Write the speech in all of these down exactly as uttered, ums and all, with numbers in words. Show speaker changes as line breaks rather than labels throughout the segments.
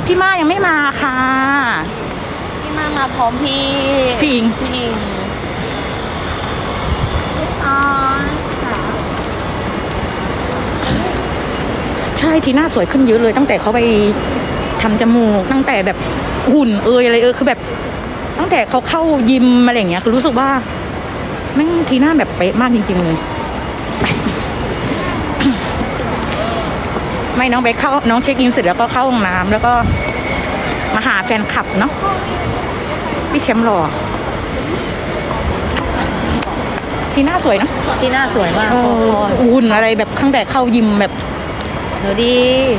พี่มายังไม่มาค่ะ
พี่มามาพร้อมพี่
พี่อิง
พี่อิงอ๋อ
ใช่ทีน่าสวยขึ้นเยอะเลยตั้งแต่เขาไปทำจมูกตั้งแต่แบบหุ่นเอยอะไรเออคือแบบตั้งแต่เขาเข้ายิมอะไรอย่างเงี้ยคือรู้สึกว่าแม่งทีน่าแบบเป๊ะมากจริงๆเลยไม่น้องไปเข้าน้องเช็คอินเสร็จแล้วก็เข้าห้องน้ำแล้วก็มาหาแฟนคลับเนาะพี่แชมป์หล่อทีน่าสวยนะ
ที่หน้าสวยมาก
หุ่นอะไรแบบตั้งแต่เข้ายิมแบบ
เดี๋ยวดี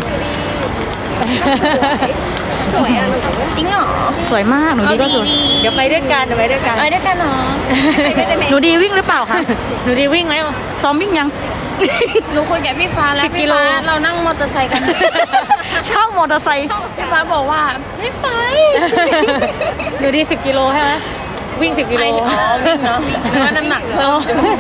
สวยอ่ะจริงเหรอ
สวยมากหนูดีก็สวย
เดี๋ยวไปด้วยกันเดี๋ยวไปด้วยกันไปด้วยกันเนาะ
หนูดีวิ่งหรือเปล่าคะ
หนูดีวิ่งไหม
ซ้อมวิ่งยัง
หนูคุยกับพี่ฟ้าแล้วพี่ฟ้าเรานั่งมอเตอร์ไซค์กัน
เช่ามอเตอร์ไซค์
พี่ฟ้าบอกว่าไม่ไป
หนูดีสิบกิโลใช่ไหมวิ่งสิบกิโล
อ๋อวิ่งเนาะวิ่งว่าน้ำหนักเพิ่ม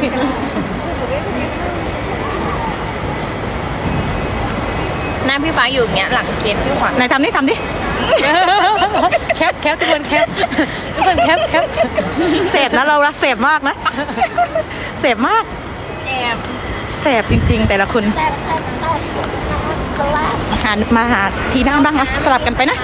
หน้าพี่ฟ้าอยู่อย่างเงี้ยหลังเกณฑ์พี่ขวัญ
ไหนทำนี่ทำดิ
แคปแคปทุกคนแคปทุกคนแคปแคป
เสพนะเราละเสพมากนะเสพมาก
แอบ
เสพจริงๆแต่ละคนหามาหาทีหน้าบ้างนะสลับกันไปนะ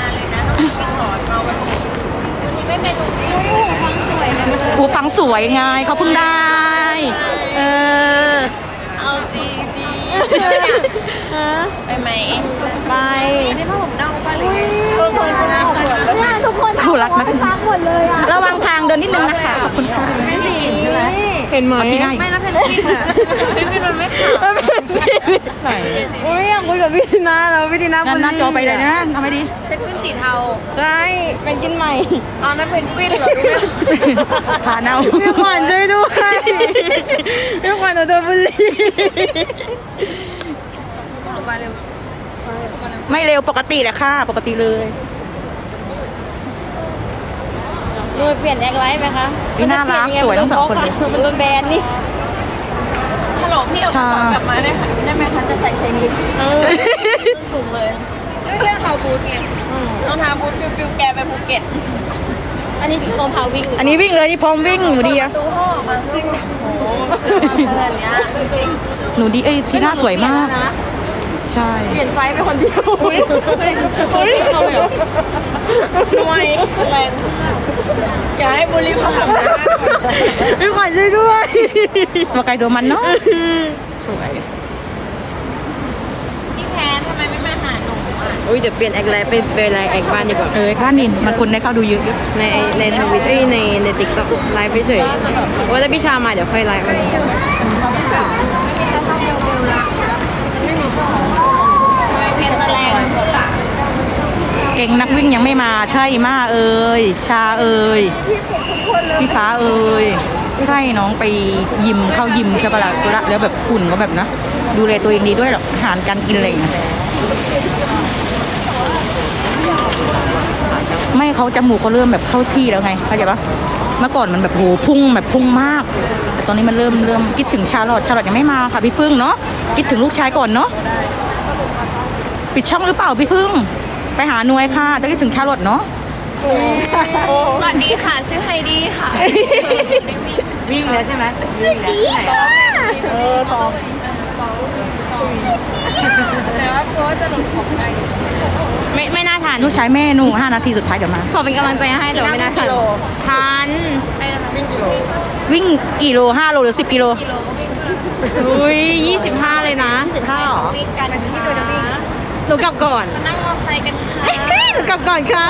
อูฟังสวยไงเขาเพิ่งได้เออ
เอาดีดีไปไหม
ไป
นี่พ่อผมเน่าป่ะหรือไง
ทุกคนคู่รักนะระวังทางเดินนิดนึงนะคะขอบคุณค่ะ
ไม่ดีใช่ไหม
เห็นไหม
ไม่แล้วเพนกวินอ่ะเพนกวินมันไม่ขาว
ไหน
โอ้ยอยากคุยกับพี่ทีน่าแล้วพี่ทีน่า
หน้าจอไปเลยนะทำไมดี
เพนกวินสีเทา
ใช่เป็นกินใหม่
อ๋อนั่นเพนกวินเหรอ
ผาเน่า
พี่ขวัญช่วยด้วยพี่ขวัญโดนบุลลี่
ไม่เร็วปกติแหละค่ะปกติเลย
ดูเปลี่ยนแอคไลท์ไหมคะ
พี่น่ารักสวยทั้งสองคนเลย
มันโดนแบนนี่
ฮัลโหลพี่เอากลับมาได้ค่ะได้ไหมคะจะใส่เชงลิฟสูงเลยด้วยเรื่องเท้าบูทไงรองเท้าบูทฟิวๆแกไปภูเก็ต
อันนี้รองเท้าวิ่ง
อันนี้วิ่งเลยนี่พร้อมวิ่งหนูดีอะ
ตู้ห้องมาจริงโอ้โหอะไรเนี้ย
หนูดีเอ้ยทีน่าสวยมากใช่
เปลี่ยนไฟไปคนเดียวเฮ้ยเฮ้ยเอาเหรอ
หน่วยแรงอย่าให้บุรีผ่านนะ
พี่ขวัญช่วยด้วยตัวไก่ตัวมันเนาะสวย
พี่แพนทำไมไม่มาหาหนูอ่ะ
อุ้ยเดี๋ยวเปลี่ยนแอคไลท์ไปเป็นไลน์แอคบ้านดีกว่า
เออบ้านนินมันคนได้เข้าดูเยอะ
ในในทวิตเตอร์ในในติ๊กต็อกไลฟ์ไปเฉยว่าถ้าพี่ชามาเดี๋ยวค่อยไลฟ์
เก่งนักวิ่งยังไม่มาใช่มาเอ่ยชาเอ่ยพี่ฟ้าเอ่ยใช่น้องไปยิมเข้ายิมใช่ปะล่ะแล้วแบบหุ่นก็แบบนะดูแลตัวเองดีด้วยหรอกอาหารการกินอะไรอย่างเงี้ยไม่เขาจมูกเขาเริ่มแบบเข้าที่แล้วไงเข้าใจปะเมื่อก่อนมันแบบโหพุ่งแบบพุ่งมากแต่ตอนนี้มันเริ่มเริ่มคิดถึงชาลอตชาลอตยังไม่มาค่ะพี่พึ่งเนาะคิดถึงลูกชายก่อนเนาะปิดช่องหรือเปล่าพี่พึ่งไปหาหน่วยค่ะจะคิดถึงชาลอตเนาะ
สวัสดีค่ะชื่อไฮดี้ค่ะ
วิ่งแล้วใช่ไหม
สวัสดีค่ะ
เออต่อ
แต่ว่าตัวจะหลุดของใคร
ไม่ไม่น่าทาน
ลูกชายแม่หนูห้านาทีสุดท้ายเดี๋ยวมา
ขอเป็นกำลังใจให้แต่ไม่น่าทานทาน
วิ่งกิโล
วิ่งกี่โลห้าโลหรือสิบกิโล
กิโลก็วิ่ง
อุ้ยยี่สิบห้าเลยนะ
สิบห้าหรอวิ่งกันที่ตัวจะวิ่ง
หนูกลับก่อน
นั่งมอไซค์กันค่ะ
หนูกลับก่อนค่ะ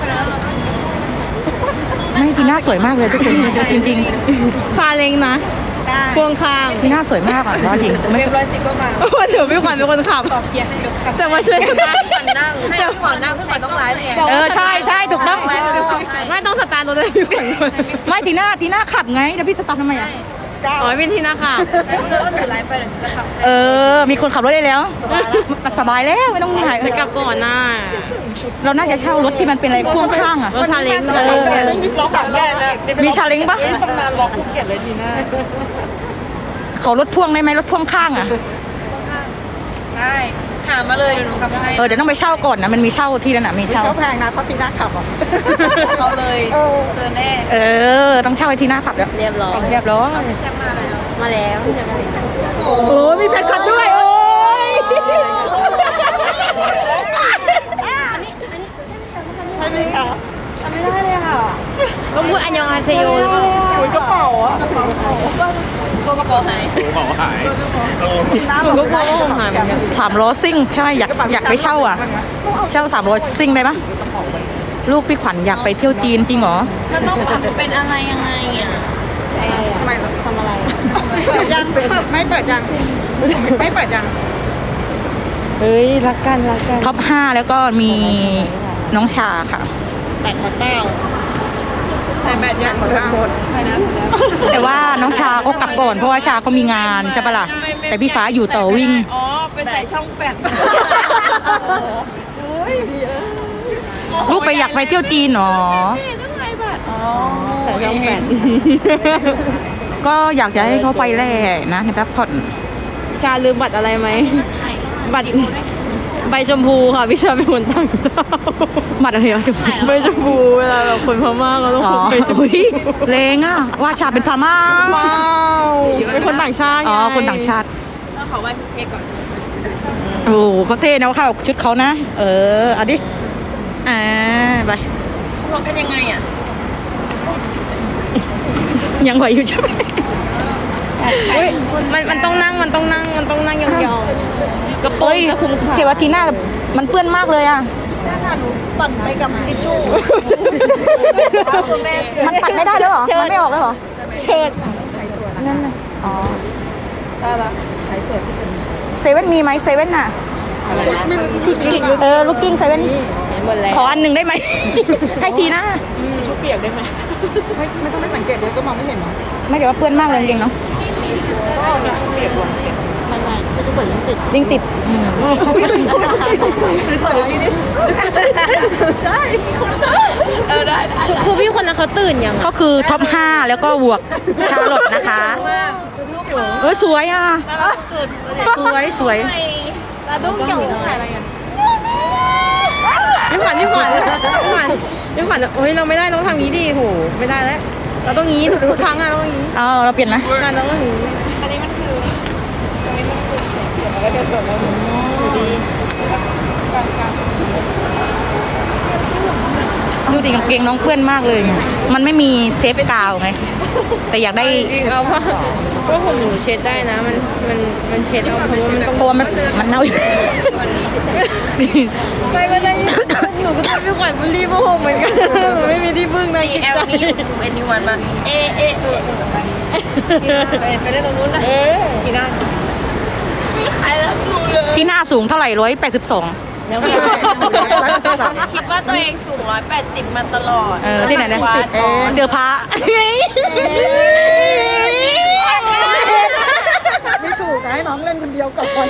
ไม่ทีน่าสวยมากเลยทุกคนจริงจริง
ซาเล้งนะพวงข้าง
ทีน่าสวยมากอ่ะจริง
เรียบร้อยสิก็มา
เดี๋ยวพี่ขวัญเป็นคนขับ
ต่อเกียร์ให้รถขับ
แต่มาช่วย
พี่ขวัญนั่งให้พี่ขวัญนั่งพี่ขวัญต้องไลฟ์ไง
เออใช่ใช่ถูกต้อง
ไม่ต้องสตาร์ทรถเลยพี่ขวัญ
ไม่ทีน่าทีน่าขับไงแล้วพี่สตาร์ททำไมอ่ะ
อ๋อเป็นทีน่าค่ะ
แล้วเราก็ถือไลฟ์ไปเดี๋ยวจะขับ
เออมีคนขับรถได้แล้วสบายแล้วไม่ต้องถ่าย
กลับก่อนนะ
เราน่าจะเช่ารถที่มันเป็นอะไรพ่วงข้างอ่ะ
รถซาเล้ง
เออมีชาเล้งปะ
ตำนานล็อกภูเก็ตเลยทีน่า
เขารถพ่วงได้ไหมรถพ่วงข้างอ่ะ
ได้หามาเลยเดี๋ยวหนูขับให้
เออเดี๋ยวต้องไปเช่าก่อนนะมันมีเช่าที่นั่นน่ะมีเช่า
เช่าแพงนะเพราะทีน่าขับอ่ะ
เอาเลยเจอแน่
เออต้องเช่าไอ้ที่หน้าขับแล้ว
เรียบร้อย
เรียบร้อย
แช่มาเลย
มาแล้ว
โอ้มีแฟนคลับด้วยโอ้ย
ใช่ไหมคะ
ทำไม่ได้เลยค่ะ
ก็พูดอันยองอาเซโย
อุ้ยกระเป๋าอ่ะ
ตัวกระเป๋าหาย
เป๋าหายโอ้
หนูก็กลัวว่าคงหายเหมือนกัน
สามล้อซิ่งใช่ไหมอยากอยากไปเช่าอ่ะ เช่าสามล้อซิ่งได้ปะลูกพี่ขวัญอยากไปเที่ยวจีนจริงเหรอ
แล้วต้องเป็นอะไรยังไงอ่ะ
ทำไมทำอะไรเปิดยังไม่เปิดยังไม่เปิดยัง
เฮ้ยรักกันรักกัน
ท็อปห้าแล้วก็มีน้องชาค่ะ
แปดมาเก้าแต่แปดยังหมดแล้วหมด
ใช่แล้วแล้ว
แต่ว่าน้องชาเขากลับก่อนเพราะว่าชาเขามีงานใช่ปะล่ะแต่พี่ฟ้าอยู่ต่อวิ่ง
อ๋อไปใส่ช่องแฟด
ลูกไปอยากไปเที่ยวจีนเหรอ
ใส่ช่องแฟน
ก็อยากจะให้เขาไปแหละนะในแป๊บผ่อน
ชาลืมบัตรอะไรไหมบัตรใบชมพูค่ะพี่ชาเป็นคนต่างดาว
มาอะไรวะจุ๊บ
ใบชมพูเวลาแบบคนพม่าเขาต้อง
อ๋อ
พกใบชมพู
อุ้ยแรงอ่ะว่าชาเป็นพม่า
ว้าวเป็นคนต่างชาติไง
อ๋อคนต่างชาติ
ต้องขอไหว้พี่เค้กก่อน
โอ้โหเขาเท่นะเขาชุดเขานะ เออเอาดิอ่าไป
พกกันยังไงอ่ะ
ยังไหวอยู่ใช่ไหม
อุ๊ยมันมันต้องนั่งมันต้องนั่งมันต้องนั่งยองๆกระโปร
เฮ้
ง
ย
จะคุมขา
เกวาทีน่ามันเปื้อนมากเลยอ่ะ
ถ้าค่ะหนูปั่นไปกับทิชชู่คุณแม่
มันปัดไม่ได้แล้วเหรอ มันไม่ออกแล้วเหรอ
เชิด
นั่นน่ะอ๋อ
ได้ละ
เซเว่นมีไหมเซเว่นน่ะที่กิ๊กเออลูกกิ้งเซเว่น
เห็นหมดแล้ว
ขออันหนึ่งได้ไหม ให้ทีน่า
ชุดเปียกได้ไหม
ไม่ไม่ต้องไปสังเกตเดี๋ยวก็มองไม่เห็นเนาะ
ไม่แต่ว่าเปื้อนมากเลยจริงๆเนาะ
ไม่ไม่ชุดที่เปิดยังติด
ยิ่งติด
เออได้ได้
คือพี่คนนั้นเขาตื่นยัง
ก็คือท็อปห้าแล้วก็บวกชาลอตนะคะเออสวยอ่ะ
สุด
สวยสวย
ตาดุ้งเกี่ยวกับอะไรอ่ะพี่ขวัญพี่ขวัญพี่ขวัญพี่ขวัญโอ้ยเราไม่ได้ต้องทำงี้ดิโหไม่ได้แล้วเราต้องงี้ทุกครั้งอะเราต้องงี้
เอาเราเปลี่ยนนะ
งานเราต้องงี้
อันนี้มันคือ
ดูดิกางเกงน้องเปื้อนมากเลยไงมันไม่มีเทปกาวไง แต่อยากได้
จริงเอาว่าว่าผมหนูเช็ดได้นะมันมันมันเช็ดเอาเพราะว่ามันต้อง
เพราะว่ามันมันเน่าอยู่
ไปไม่ได้หนูก็ต้องพี่ขวัญมันรีบโมโหเหมือนกันหนูไม่มีที่พึ่งนะ
ซี
จิต
แอล
ใจ
นี่หนูเอ็นดีวันมาเอเอเอเอไปไปเล่นตรงนู้นนะ
เออพี่นั่น
มีใครแล้วหนูเลย
ที่หน้าสูงเท่าไหร่ร้อยแปดสิบสอง
แล้วพี่
คิดว่าตัวเองสูงร้อยแปดสิบมาตลอด
เออที่ไหนนะ
วัด
เจอพระ
ไม่ถูกให้น้องเล่นคนเดียวก่อน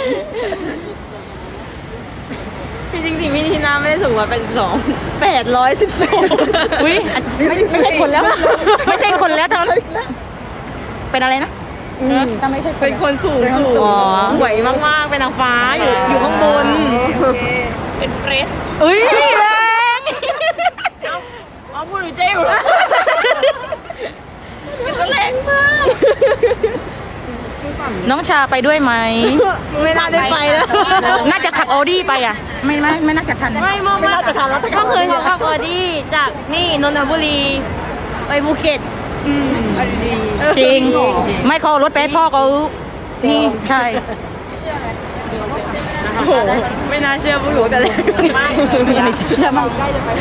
พี่จริงๆพี่ทีน่าไม่ได้สูงร้อยแปดสิบสองแปดร้อยสิบสอง
อุ้ยไม่ไม่ใช่คนแล้ว ไม่ใช่คนแล้วตอนเป็นอะไรนะ
ถ้าไม่ใช่
เป็นคนสูงสูง
อ๋อ
สวยมากๆเป็นนางฟ้าอยู่อยู่ข้างบน
เป็นเฟรส
อุ้ยแรง
อ๋อพูดหนูเจ๊อยู่แล้วมันก็แรงมาก
น้องชาไปด้วยไหม
ไม่น่าได้ไปแล้ว
น่าจะขับออดี้ไปอ่ะ ไม่ไม่ไม่น่าจะทัน
ไม่เมื่อเมื่อก็เคยเขาขับออดี้จากนี่นนทบุรีไปภูเก็ต
อันดี
จริง ไม่เขาเอารถไปให้พ่อเขานี่ใช่
โอ้โหไม่น่าเชื่อผู้หนูแต่แรก
ไม่เชื่อมั้ง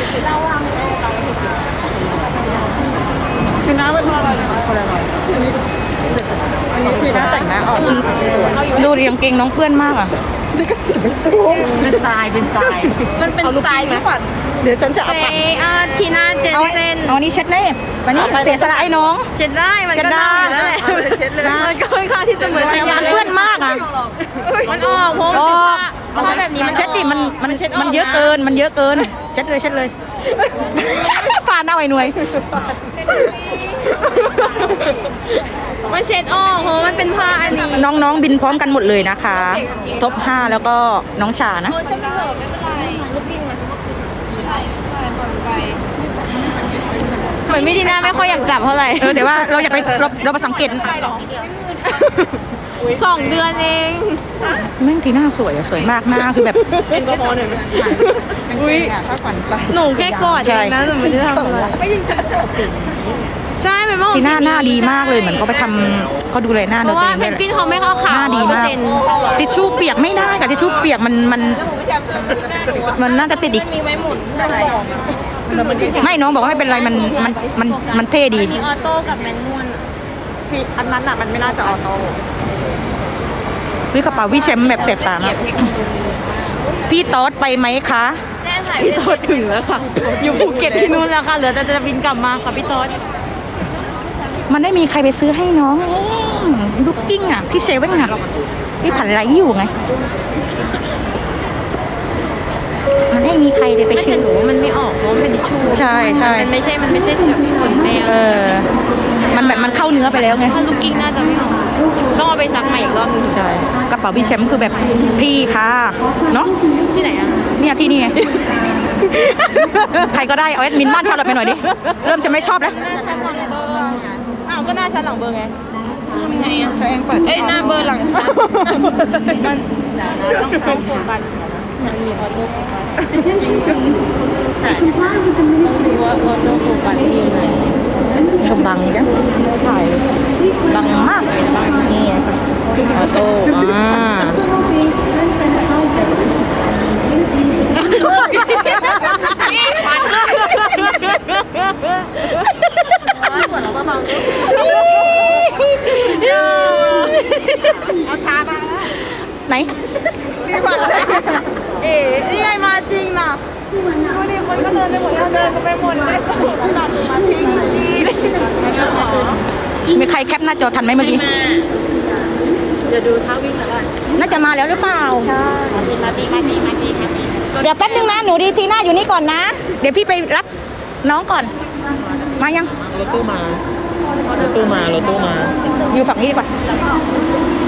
คือน้าเป็นอะไรคนละหน่อยอันนี้อันนี้ทีน่าแต่งหน้าออก
ดูเรียงเกงน้องเปื้อนมากอ่ะ
นี่ก็จะไม่ตู้
เป็นสไตล์เป็นสไตล์
มันเป็นสไตล์พี่ขวัญ
เดี๋ยวฉันจะเอา
เอ้เออทีน่าเจน
เอา
เซน
เอานี่เช็ดเน่วันนี้เสียสละไอ้น้อง
เช็ดได้มัน
เช็
ก็
ดได้
ได้แล้วแหละมันก็ค่อนข้างที่จะเหมือนพยาน
เปื้อนมากอ่ะ
มันออกเพราะ
อ
มัน
อก
เพราะว่าแบบนี้มัน
เช็ดดิมันมันมันเยอะเกินมันเยอะเกิน เช็ดเลยเช็ดเลยปาหน้าไอ้หน่วย
มันเช็ดออกเพราะมันเป็นผ้าอันนี้
น้องๆบินพร้อมกันหมดเลยนะคะท็อปห้าแล้วก็น้องชานะ
โอ้ฉันเผลอไม่เป็นไรลูกกิ้งมาไม่เป็นไรไม่เป็นไรปล่อยไป
เหมือนพี่ดีน่าไม่ค่อยอยากจับเท่าไหร่
เออแต่ว่าเราอยากไปเราเราไปสังเกต
สองเดือนเอง
แม่งทีหน้าสวยอะสวยมากหน้าคือแบบ
เป็นกระเพาะหน่อย
อุ้ยถ้าฝันไป
หนูแค่กอดเองนะหนูไม่ได้ทำอะไร
ไม่ยิงจะจบสิ
ใช่เป็นเมื่อ
ทีหน้าหน้าดีมากเลยเหมือนเขาไปทำเขาดูแลหน้า
เพ
เนื้อ
ราะ
ตัว
ว่า
เอง
เพ
ด้วย
น
แหละ
กวินเขาไม่เข้าขา
หน้าดีมากทิชชู่เปียกไม่ได้กับทิชชู่เปียกมันมัน
แล้วหมูแชมป์ตัวนี้หน้าหนูอะ
มันน่าจะติดอีก
มันมีไว้หมุนอะไร
ไม่น้องบอกว่าไม่เป็นไรมันมันมันมันเท่ดี
มีออโต้กับแมนนวล
ฟีอันนั้นอ่ะมันไม่น่าจะออโต้
หรือกระเป๋าพี่แชมป์แบบเสพตามากพี่ต๊อดไปไหมคะ
แจ้ถ่าย
พี่โต๊ดถึงแล้วค่ะ อยู่ภูเก็ตที่นู้นแล้วค่ะเหลือแต่จะบินกลับมาค่ะพี่โต๊ด
มันได้มีใครไปซื้อให้น้องลูกกิ้งอ่ะที่เซเว่นอ่ะพี่ผันไรอยู่ไง มันได้มีใครเลยไป
ไม่
ซื้
แต่
อ
หนูว่ามันไม่ออกเพราะมันเป็นทิชชู่
ใช่ใช่
มันไม่ใช่มันไม่ใช่แบบขนแมว
เออ มันแบบมันเข้าเนื้อไปแล้วไง
ถ้าลูกกิ้งน่าจะไม่ออกต้องเอาไปซักใหม่อีกรอบนึง
ใช่กระเป๋าพี่แชมป์คือแบบพี่ค่ะเนาะ
ที่ไหนอะ
เนี่ยที่นี่ไง ใครก็ได้เอาแอดมินบ้านชาลอตไปหน่อยดิ เริ่มจะไม่ชอบแล้ว
หน้าฉันหลังเบอร์
อ้าวก็หน้าชั้นหลังเบอร์ไง
ทำไงอะ
ตัวเองเปิด
เอ้ยหน้าเบอร์หลังฉัน
มันต้องต้องโฟกัสมีออโต้โฟกัสใช่มีว่าออโต้โฟกัสมีไหม
กำบังจ้ะใช่บังมากเลยนะนี่ไงออโต้อ่า
หัวเราเบา
เอาชามา
ไหน
ๆรีบมาเลย
เอ๋นี่ไงมาจริงนะดูดิคนก็เดินไปหมดแล้วเดินกันไปหมดเลย
หลับมาทิ้งดี
มีใครแคปหน้าจอทันไหมเมื่อกี้
มา
เดี๋ยวดูท้าวิ่งหน่อยก่อน
น่าจะมาแล้วหรือเปล่า
มาดีมาดีมาดีมาดี
เดี๋ยวแป๊บนึงนะหนูดีทีหน้าอยู่นี่ก่อนนะ เดี๋ยวพี่ไปรับน้องก่อน มายัง
รถตู้มา รถตู้มา รถตู้มา
อยู่ฝั่งนี้ดีกว่า